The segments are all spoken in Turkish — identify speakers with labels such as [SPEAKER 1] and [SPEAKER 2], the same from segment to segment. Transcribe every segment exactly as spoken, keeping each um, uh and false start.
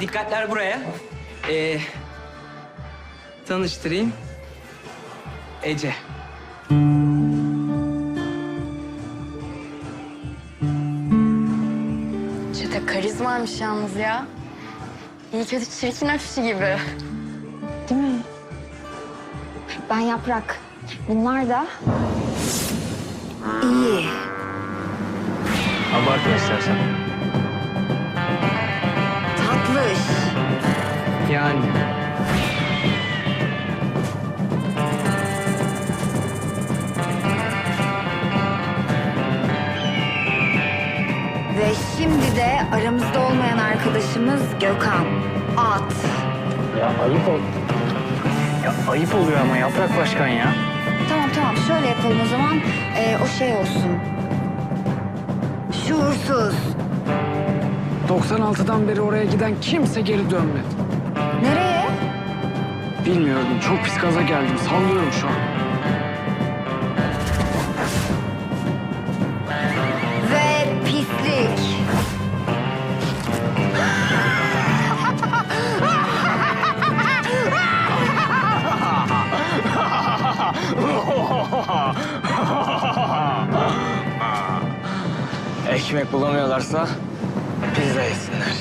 [SPEAKER 1] dikkatler buraya. Ee, tanıştırayım. Ece.
[SPEAKER 2] Çete karizmaymış yalnız ya. İyi kötü çirkin afişi gibi.
[SPEAKER 3] Değil mi? Ben Yaprak. Bunlar da iyi.
[SPEAKER 4] Abartma istersen.
[SPEAKER 3] Tatlış.
[SPEAKER 1] Yani.
[SPEAKER 3] Ve şimdi de aramızda olmayan arkadaşımız Gökhan. At.
[SPEAKER 4] Ya ayıp ol. Ya ayıp oluyor ama Yaprak Başkan ya.
[SPEAKER 3] Tamam tamam şöyle yapalım o zaman. Ee, o şey olsun. Şuursuz.
[SPEAKER 5] doksan altıdan beri oraya giden kimse geri dönmedi.
[SPEAKER 3] Nereye?
[SPEAKER 5] Bilmiyorum, çok pis gaza geldim. Sallıyorum şu an.
[SPEAKER 3] Ve pislik.
[SPEAKER 4] Ekmek bulamıyorlarsa pizza yesinler.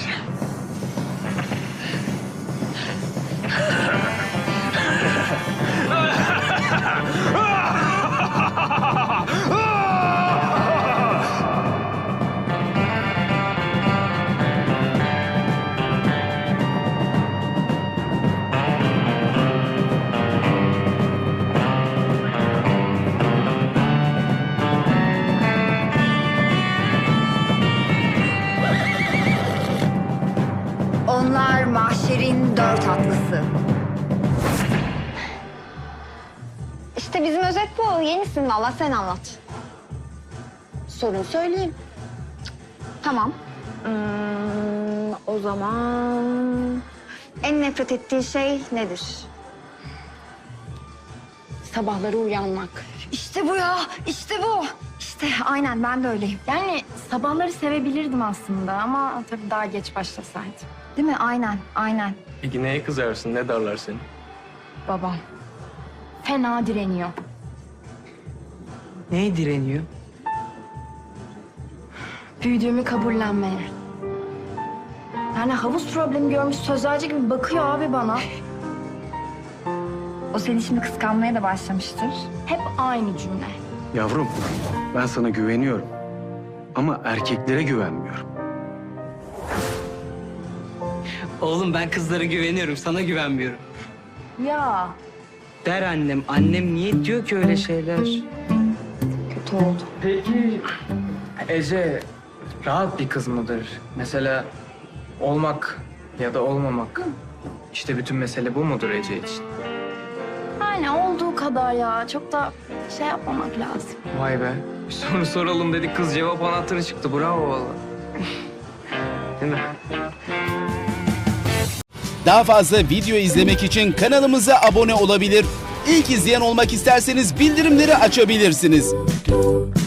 [SPEAKER 3] Onlar mahşerin dört atlısı. İşte bizim özet bu. Yenisin valla, sen anlat. Sorun söyleyeyim. Tamam. Hmm, o zaman... En nefret ettiğin şey nedir?
[SPEAKER 2] Sabahları uyanmak.
[SPEAKER 3] İşte bu ya, işte bu. İşte aynen, ben de öyleyim.
[SPEAKER 2] Yani sabahları sevebilirdim aslında ama tabii daha geç başlasaydım.
[SPEAKER 3] Değil mi? Aynen, aynen.
[SPEAKER 4] Peki neye kızarsın? Ne darlar seni?
[SPEAKER 2] Babam fena direniyor.
[SPEAKER 1] Neye direniyor?
[SPEAKER 2] Büyüdüğümü kabullenmeye. Yani havuz problemi görmüş sözlerce gibi bakıyor abi bana.
[SPEAKER 3] O seni şimdi kıskanmaya da başlamıştır.
[SPEAKER 2] Hep aynı cümle.
[SPEAKER 6] Yavrum, ben sana güveniyorum. Ama erkeklere güvenmiyorum.
[SPEAKER 1] Oğlum ben kızlara güveniyorum, sana güvenmiyorum.
[SPEAKER 2] Ya
[SPEAKER 1] Der annem. Annem niye diyor ki öyle şeyler?
[SPEAKER 3] Kötü oldu.
[SPEAKER 4] Peki Ece rahat bir kız mıdır? Mesela olmak ya da olmamak. İşte bütün mesele bu mudur Ece için?
[SPEAKER 2] yani olduğu kadar ya. Çok da şey yapmamak lazım.
[SPEAKER 4] Vay be. Bir soru soralım dedik, kız cevap anahtarı çıktı. Bravo vallahi. Değil mi?
[SPEAKER 7] Daha fazla video izlemek için kanalımıza abone olabilir. İlk izleyen olmak isterseniz bildirimleri açabilirsiniz.